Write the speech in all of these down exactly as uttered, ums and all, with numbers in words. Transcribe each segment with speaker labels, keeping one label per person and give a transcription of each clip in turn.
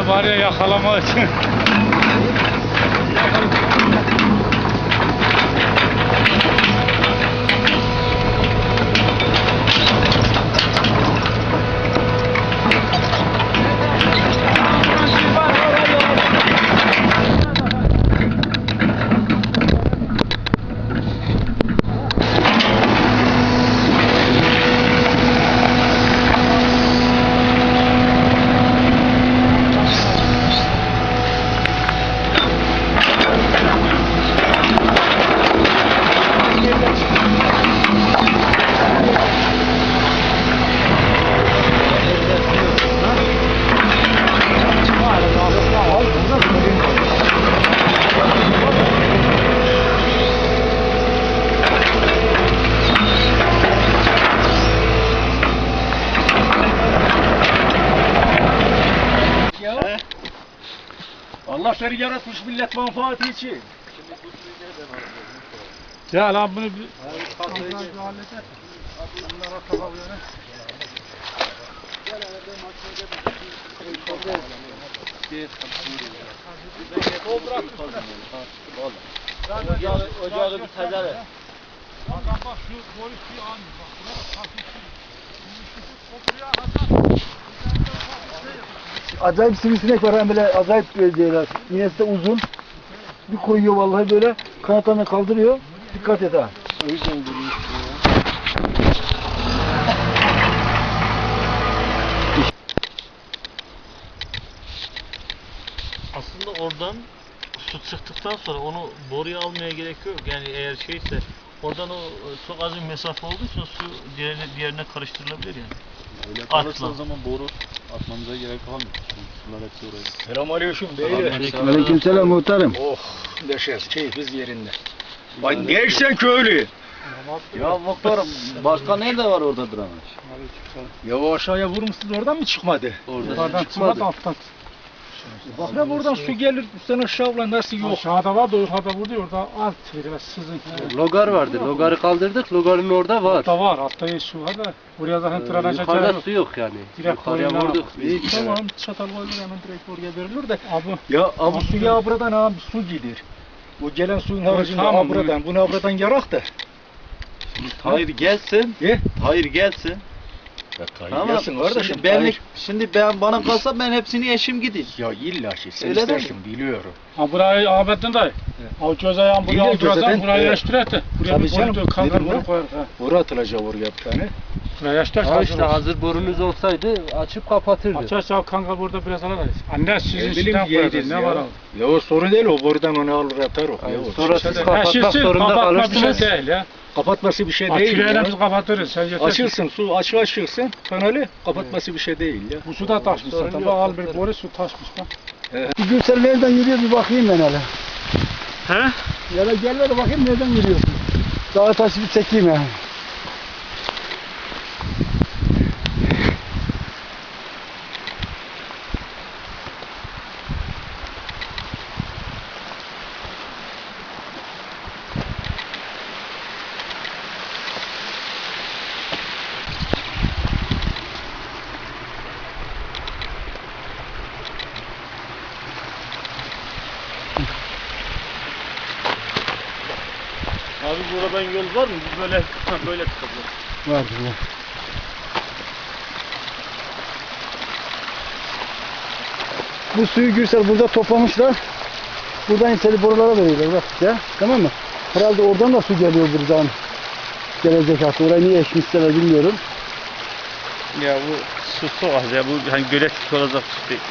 Speaker 1: Yabarıya yakalamak için.
Speaker 2: Allah seni yaratmış millet menfaati için.
Speaker 1: Ya lan bunu bir...
Speaker 2: Ocağı bir tezere.
Speaker 1: Bak bak şu boris bir an bak. Buna hafif
Speaker 3: Acayip sivrisinek var hem böyle acayip diyorlar. İğnesi de uzun. Bir koyuyor vallahi böyle kanatlarını kaldırıyor. Dikkat et ha. O yüzden duruyor.
Speaker 4: Aslında oradan su çıktıktan sonra onu boruya almaya gerek yok. Yani eğer şeyse oradan o çok az bir mesafe olduğu için su diğerine, diğerine karıştırılabilir yani.
Speaker 5: Öyle kalırsa o zaman boru atmamıza gerek kalmıyor. Sular hepsi oraya.
Speaker 2: Selamünaleyküm beyler.
Speaker 3: Aleykümselam muhtarım.
Speaker 2: Oh, neşes, keyfiz yerinde. Bak gençsen köylü.
Speaker 5: Ya muhtarım başka nerede var orada dramaj?
Speaker 2: Ya o aşağıya vurmuşsunuz oradan mı çıkmadı?
Speaker 5: Orada
Speaker 1: çıkmadı alttan.
Speaker 2: Bak ne buradan su gelir sen aşağıya nasıl yok?
Speaker 1: Aşağıda var da yukarıda vurdu orada alt biraz sızın.
Speaker 5: Logar vardı. Logarı kaldırdık. Logarın orada var.
Speaker 1: Altta var, altta iyi su var da buraya zaten
Speaker 5: Ee,
Speaker 1: tıraş
Speaker 5: yukarıda
Speaker 1: açar.
Speaker 5: su yok yani.
Speaker 1: Direkt
Speaker 5: Yukarıya
Speaker 1: koyuna-
Speaker 5: vurduk.
Speaker 2: İyi tamam çatal koyulur hemen direkt oraya verilir de.
Speaker 1: Abi
Speaker 2: Ya bu suya buradan abi su gider. Bu gelen suyun haricinde
Speaker 1: tamam,
Speaker 2: abradan, bunu abradan yarak da.
Speaker 5: Hayır gelsin.
Speaker 2: Ye.
Speaker 5: Hayır gelsin.
Speaker 2: Tamam. Gelsin kardeşim.
Speaker 5: Şimdi, ben,
Speaker 2: hayır.
Speaker 5: şimdi ben bana kalsa ben hepsini eşim gideyim.
Speaker 2: Ya illa şey sen
Speaker 5: Öyle
Speaker 2: istersin biliyorum.
Speaker 1: ha burayı Ahmet'in dayı. O göz ayağın buraya
Speaker 2: İlle
Speaker 1: aldıracağım,
Speaker 2: gözeden,
Speaker 1: burayı
Speaker 2: evet.
Speaker 1: yaştıracaktı. Buraya
Speaker 2: Tabii
Speaker 1: bir
Speaker 2: canım,
Speaker 1: koydu, kanka
Speaker 2: nedir
Speaker 1: bunu
Speaker 2: bu?
Speaker 1: koyar. Ha.
Speaker 2: Boru atılacak oraya bir tane.
Speaker 1: Buraya yaştıracaktı.
Speaker 5: Ha işte hazır borunuz olsaydı açıp kapatırdı.
Speaker 1: Açarsa kanka burada biraz alamayız. Anne sizin
Speaker 2: Ne
Speaker 1: sizden
Speaker 2: bileyim
Speaker 1: koyacağız,
Speaker 2: yeriz
Speaker 1: ne
Speaker 2: ya.
Speaker 1: var abi?
Speaker 2: Ya o sorun değil o borudan onu alır atar o. Ya, o
Speaker 5: Sonra
Speaker 2: şey
Speaker 5: siz
Speaker 2: değil.
Speaker 5: kapatmak
Speaker 1: şişsin,
Speaker 5: zorunda
Speaker 1: kapatma
Speaker 5: kalırsınız.
Speaker 1: bir şey değil ya.
Speaker 2: Kapatması bir şey değil
Speaker 1: Açık
Speaker 2: ya.
Speaker 1: biz kapatırız. Sen yeter.
Speaker 2: Açılsın su açık açılsın kanalı kapatması bir şey değil ya.
Speaker 1: Bu su da taşmış
Speaker 5: Sorun
Speaker 1: zaten.
Speaker 5: yok,
Speaker 1: Bak al
Speaker 5: sorun
Speaker 1: bir boru su taşmış bak.
Speaker 3: Bir gün sen nereden yürüyor bir bakayım ben hele.
Speaker 1: He?
Speaker 3: Ya da gel ver bakayım nereden yürüyorsun. Dağa taşı bir çekeyim ya.
Speaker 4: Abi buradan yol var mı? Biz böyle böyle çıkabiliriz.
Speaker 3: Vardır var. Bu suyu Gürsel burada toplamışlar. Buradan içeri borulara veriyorlar bak ya. Tamam mı? Herhalde oradan da su geliyor buradan. Gelecek hatta. Orayı niye eşmişler bilmiyorum.
Speaker 4: Ya bu su çok az ya. Bu hani gölet olacak su değil.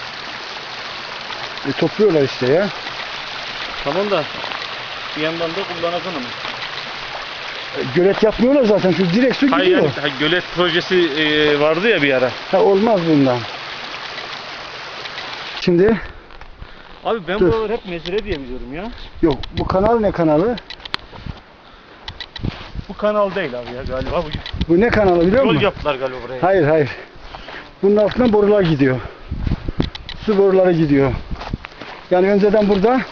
Speaker 3: E, topluyorlar işte ya.
Speaker 4: Tamam da bir yandan da kullanacaksın ama.
Speaker 3: E, gölet yapmıyorlar zaten. Şu direkt su
Speaker 4: Hayır
Speaker 3: gidiyor.
Speaker 4: yani ha, gölet projesi e, vardı ya bir ara.
Speaker 3: Ha, olmaz bundan. Şimdi
Speaker 4: Abi ben
Speaker 3: Dur.
Speaker 4: buraları hep mezire diye biliyorum ya.
Speaker 3: yok bu kanal ne kanalı?
Speaker 4: Bu kanal değil abi ya galiba. Bu
Speaker 3: Bu ne kanalı biliyor
Speaker 4: yol
Speaker 3: musun?
Speaker 4: yaptılar galiba buraya.
Speaker 3: Hayır hayır. Bunun altından borular gidiyor. Su boruları gidiyor. Yani önceden burada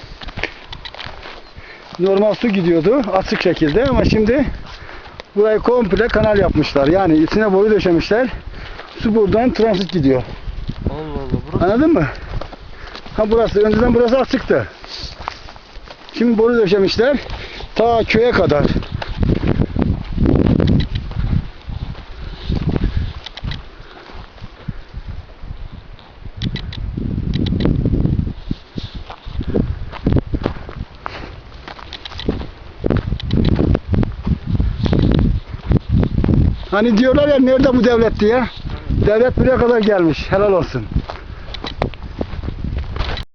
Speaker 3: normal su gidiyordu açık şekilde ama şimdi burayı komple kanal yapmışlar. Yani içine boru döşemişler. Su buradan transit gidiyor.
Speaker 4: Allah Allah. Burası
Speaker 3: Anladın mı? Ha burası, önceden burası açıktı. Şimdi boru döşemişler. Ta köye kadar. Hani diyorlar ya nerede bu devlet diye. Devlet buraya kadar gelmiş. Helal olsun.